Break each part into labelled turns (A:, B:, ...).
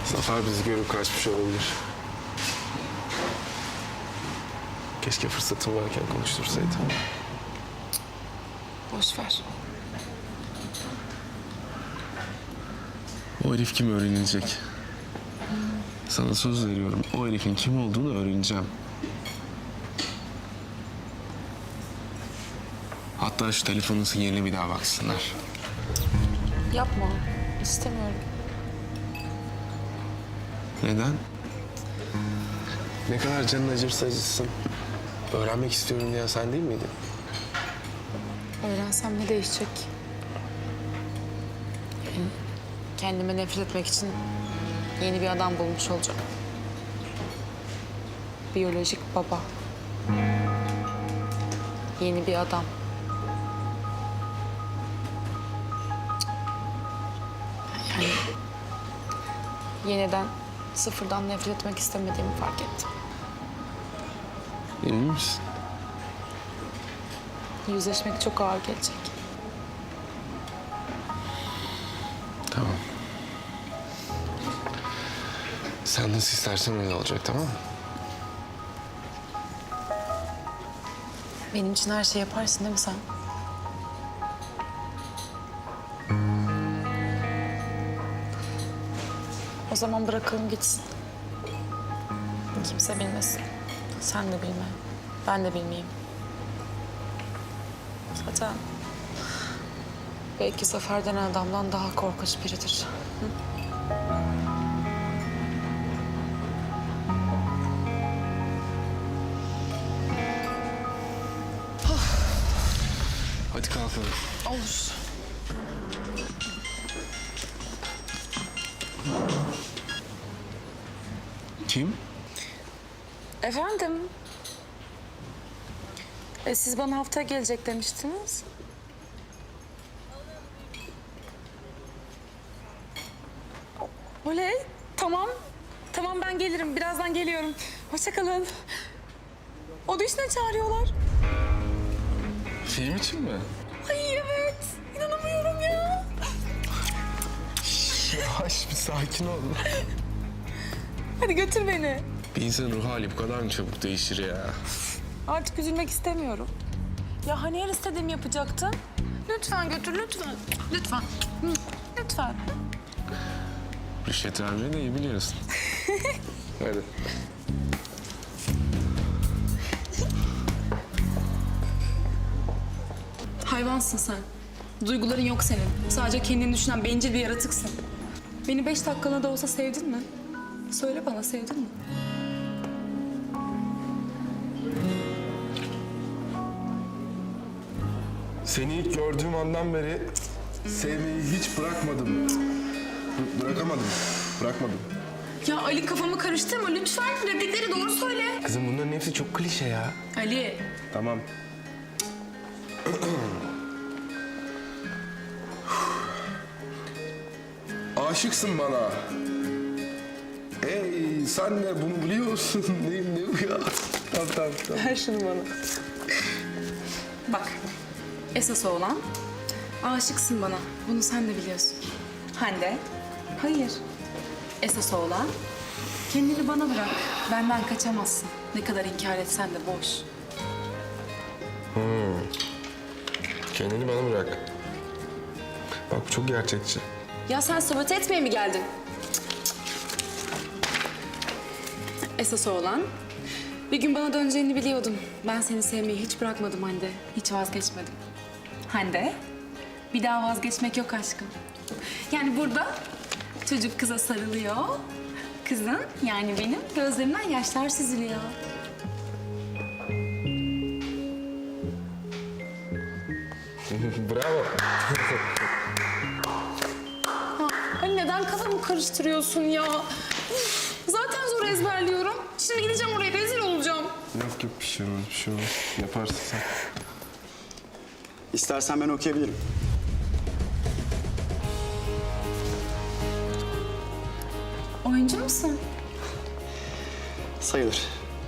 A: Zafer bizi görüp kaçmış olabilir. Keşke fırsatım varken konuştursaydım.
B: Boş ver.
A: O herif kim öğrenilecek? Sana söz veriyorum. O herifin kim olduğunu öğreneceğim. Hatta şu telefonun sinyaline bir daha baksınlar.
B: Yapma. İstemiyorum.
A: Neden? Ne kadar canın acırsa acıtsın. Öğrenmek istiyorum diyen sen değil miydin?
B: Öğrensem ne değişecek? Yani kendime nefret etmek için yeni bir adam bulmuş olacağım. Biyolojik baba. Yeni bir adam. Yani yeniden, sıfırdan nefret etmek istemediğimi fark ettim.
A: Emin misin?
B: Yüzleşmek çok ağır gelecek.
A: Tamam. Sen nasıl istersen öyle olacak, tamam mı?
B: Benim için her şey yaparsın değil mi sen? O zaman bırakalım gitsin. Kimse bilmesin. Sen de bilme. Ben de bilmeyeyim. Zaten belki Zafer denen adamdan daha korkunç biridir. Hı?
A: Hadi kalkalım.
B: Olur.
A: Kim?
B: Efendim? Siz bana haftaya gelecek demiştiniz. Oley, tamam. Tamam ben gelirim. Birazdan geliyorum. Hoşça kalın. Audition'a çağırıyorlar.
A: Film için mi?
B: Ay evet. İnanamıyorum ya.
A: Yavaş bir sakin ol.
B: Hadi götür beni.
A: Bir insanın ruh hali bu kadar mı çabuk değişir ya?
B: Artık üzülmek istemiyorum. Ya hani her istediğimi yapacaktın? Lütfen götür, lütfen. Lütfen. Hı, lütfen.
A: Rüşvet vermeyi de iyi biliyorsun. Hadi.
B: Hayvansın sen. Duyguların yok senin. Sadece kendini düşünen bencil bir yaratıksın. Beni 5 dakikalığına da olsa sevdin mi? Söyle bana, sevdin mi?
C: Seni ilk gördüğüm andan beri sevmeyi hiç bırakmadım. Bırakamadım. Bırakmadım.
B: Ya Ali kafamı karıştırma lütfen. Replikleri doğru söyle.
A: Kızım bunların hepsi çok klişe ya.
B: Ali.
C: Tamam. Aşıksın bana. Ey sen de bunu biliyorsun. Ne bu ya? Tamam.
B: Ver şunu bana. Bak, esas olan aşıksın bana. Bunu sen de biliyorsun. Hande, hayır. Esas olan kendini bana bırak. Benden kaçamazsın. Ne kadar inkar etsen de boş.
C: Kendini bana bırak. Bak bu çok gerçekçi.
B: Ya sen sabote etmeye mi geldin? Esas olan bir gün bana döneceğini biliyordum. Ben seni sevmeyi hiç bırakmadım Hande. Hiç vazgeçmedim. Hande, bir daha vazgeçmek yok aşkım. Yani burada çocuk kıza sarılıyor. Kızın yani benim gözlerimden yaşlar süzülüyor.
C: Bravo.
B: Ay neden kafamı karıştırıyorsun ya? Üf, zaten zor ezberliyorum. Şimdi gideceğim oraya rezil olacağım.
C: Yok bir şey olmaz, bir şey olmaz. Yaparsın sen.
D: İstersen ben okuyabilirim.
B: Oyuncu musun?
D: Sayılır.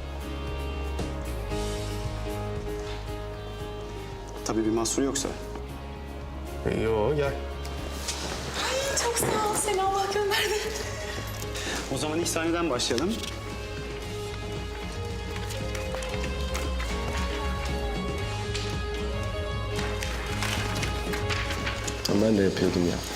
D: Tabii bir mahsur yoksa.
C: Yo gel.
B: Çok sağ ol. Seni Allah gönderdi.
D: O zaman ilk sahneden başlayalım.
A: Ben de yapıyordum ya.